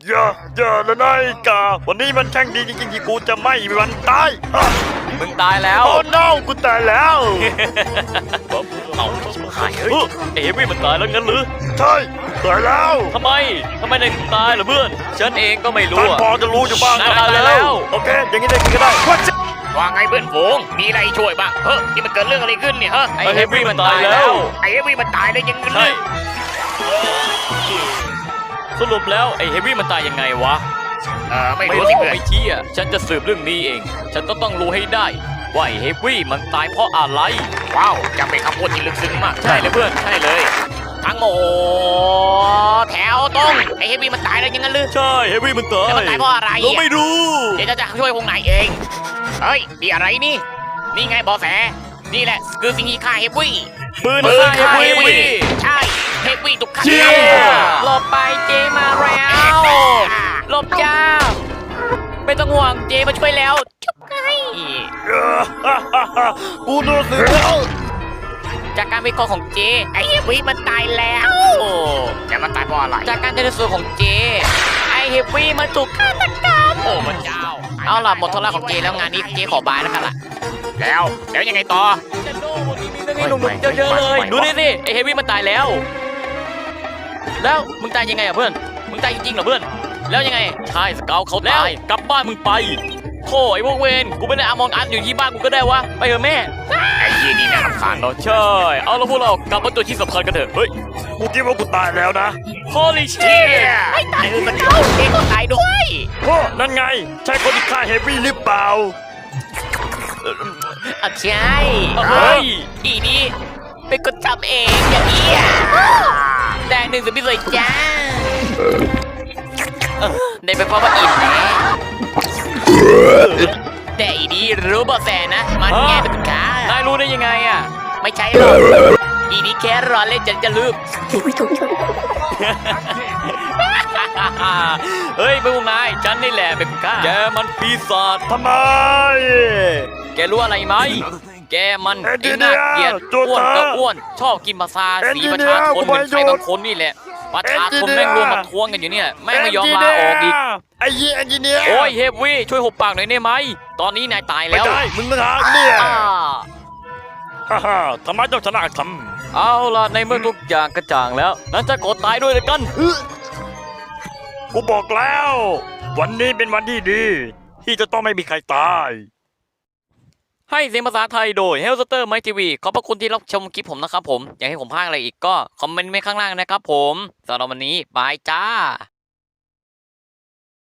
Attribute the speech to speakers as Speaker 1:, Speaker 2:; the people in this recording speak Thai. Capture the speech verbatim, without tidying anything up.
Speaker 1: อย่าอย่าเลยนายกาวันนี้มันแช่งดีจริงๆที่กูจะไม่มีวันตายอ่ะ
Speaker 2: มึงตายแล้ว
Speaker 1: โอ้ no กูตายแล้ว
Speaker 2: เอาชิบหายเฮ้ยไอ้เฮฟวี่มันตายแล้วงั้นหรือ
Speaker 1: ใช่ตายแล้ว
Speaker 2: ทำไมทำไมนายถึงตายล่ะเพื่อนฉันเองก็ไม่รู้
Speaker 1: ท่าน
Speaker 2: อะ
Speaker 1: พอจะรู้อยู่บ้าง
Speaker 2: นาย
Speaker 1: ก็
Speaker 2: ตาย
Speaker 1: ได้
Speaker 2: แล้
Speaker 1: แล้ว วโอเคอย่างนี้ได้กินก็ได้ว่าจะ
Speaker 3: ว่าไงเพื่อนฝูงมีอะไรช่วยบ้างเฮ้ยนี่มันเกิดเรื่องอะไรขึ้นเนี่ยฮะ
Speaker 2: ไอ้เฮฟวี่มันตายแล้ว
Speaker 3: ไอ้เอวี่มันตายได้ยังไง
Speaker 2: ใช่สรุปแล้วไอ้เฮฟวี่มันตายยังไงวะ
Speaker 3: เออไม่
Speaker 2: ไม่
Speaker 3: รู้
Speaker 2: รู้
Speaker 3: สิเพื่อน
Speaker 2: ไม่เชี่ยฉันจะสืบเรื่องนี้เอง ฉันต้องต้องรู้ให้ได้ว่าไอ้เฮฟวี่มันตายเพราะอะไร
Speaker 3: ว้าวจะเป็นคำพูดที่ลึกซึ้งมาก
Speaker 2: ใช่เลยเพื่อนใช่เลย
Speaker 3: ทั้งหมดแถวตรงไอ้เฮฟวี่มันตายได้ยังไงลือ
Speaker 2: ใช่เฮฟวี่มันตาย
Speaker 3: แล้วมันตายเพราะอะไร
Speaker 2: เราไม่รู้
Speaker 3: เดี๋ยวจะช่วยพวกนายเองเฮ้ยนี่อะไรนี่นี่ไงบอแสนี่แหละคือสิ่งที่ฆ่าเฮฟวี่
Speaker 2: ปืน
Speaker 3: ปืน
Speaker 2: ฆ่าเฮ
Speaker 3: ฆ่า
Speaker 2: ฟ
Speaker 3: เฮฟ
Speaker 2: วี่
Speaker 3: วี่ใช่เฮฟวี่ถูกฆ่า
Speaker 2: เชี่ย
Speaker 3: หลบไปเจมาแล้วหลบจ้าไม่ต้องห่วงเจมาช่วยแล้วจุ๊บไง
Speaker 1: กูโดนสืบแล้ว
Speaker 3: จากการวิเคราะห์ของเจไอเฮฟวี่มันตายแล้วโอ้แต่มันตายเพราะอะไรจากการชันสูตรของเจไอเฮฟวี่มันถูกฆาตกรรมโอ้พระเจ้าเอาล่ะหมดธุระของเจแล้วงานนี้เจขอบายแล้วกันล่ะแล้วแล้วยังไงต่อ
Speaker 2: จะโดนวันนี้มีเรื่องให้หนุ่มๆเยอะๆเลยดูนี่สิไอ้เฮฟวี่มันตายแล้ว แล้วมึงตายยังไงอ่ะเพื่อนมึงตายจริงๆเหรอเพื่อนแล้วยังไงใช่สเกลเขาตายกลับบ้านมึงไปโถ่ไอ้พวกเวรกูไม่ได้อามองอัดอยู่ที่บ้านกูก็ได้วะไปเถอะแม่
Speaker 3: ไอ้ยี่นี่น่ารำคาญ
Speaker 2: เราใช่เอาแล้วพวกเรากลับมาตัวที่สำคัญกันเถอะเฮ้ย
Speaker 1: กูคิดว่ากูตายแล้วนะ
Speaker 2: holy
Speaker 3: เชี่
Speaker 2: shit
Speaker 3: ยไม่ตายคือสเกลเจก็ตายด้วย
Speaker 1: โอ้นั่นไงใช่คนที่ฆ่าเฮฟวี่หรือเปล่า
Speaker 3: อ่ะใช่
Speaker 2: เฮ้ย
Speaker 3: อีนี่เป็นคนทำเองอย่างนี้อ่ะแดงหนึ่งสุดพิเศษจ้าเออได้ไปเพราะว่าอิ่มแน่แต่อีนี่รู้เบาะแสนะ มันแง่เป็นคุณค้าน
Speaker 2: ายรู้ได้ยังไงอ่ะ
Speaker 3: ไม่ใช่หรอกอีนี่แค่รอเล่นจนจะลืม
Speaker 2: เฮ้ยเป็นพวกนายฉันนี่แหละเป็นคนฆ่าแกมันปีศาจ
Speaker 1: ทำไม
Speaker 2: แกรู้อะไรไหมแกมัน
Speaker 1: เอ็นจิ
Speaker 2: ไอ้
Speaker 1: เนี
Speaker 2: น่าย เกลียด
Speaker 1: โจ
Speaker 2: อ้วน
Speaker 1: ตา
Speaker 2: ก็อ้วนชอบกินภาษา
Speaker 1: เอ็น
Speaker 2: สี
Speaker 1: จิ
Speaker 2: ประ
Speaker 1: เนีย
Speaker 2: ชาชนเหมือนใคร
Speaker 1: กูไปโดน
Speaker 2: บางคนนี่แหละประชาชน
Speaker 1: เอ็นจิเนีย
Speaker 2: แม่งรวมมาทวงกันอยู่เนี่ยแม่งไม่ยอมลาออกอีก
Speaker 1: ไอ้ยี่เอนจิเนียร์
Speaker 2: โอ้ยเฮฟวี่ช่วยหุบปากหน่อยได้ไหมตอนนี้นายตาย
Speaker 1: ไม่
Speaker 2: แล้ว
Speaker 1: ได้มึงต่างหากเนี่ย
Speaker 2: อ่า
Speaker 1: ฮ่าฮ่าทำไมเจ้าชนะท
Speaker 2: เอาล่ะในเมื่อทุกอย่างกระจ่างแล้วนั้นจะกดตายด้วยเลยกัน
Speaker 1: ำกูบอกแล้ว วันนี้เป็นวันที่ดี ที่จะต้องไม่มีใครตาย
Speaker 2: ให้เสียงภาษาไทยโดย Hellster My ที วี ขอบพระคุณที่รับชมคลิปผมนะครับผม อยากให้ผมพากย์อะไรอีกก็คอมเมนต์ไว้ข้างล่างนะครับผมสำหรับวันนี้บายจ้า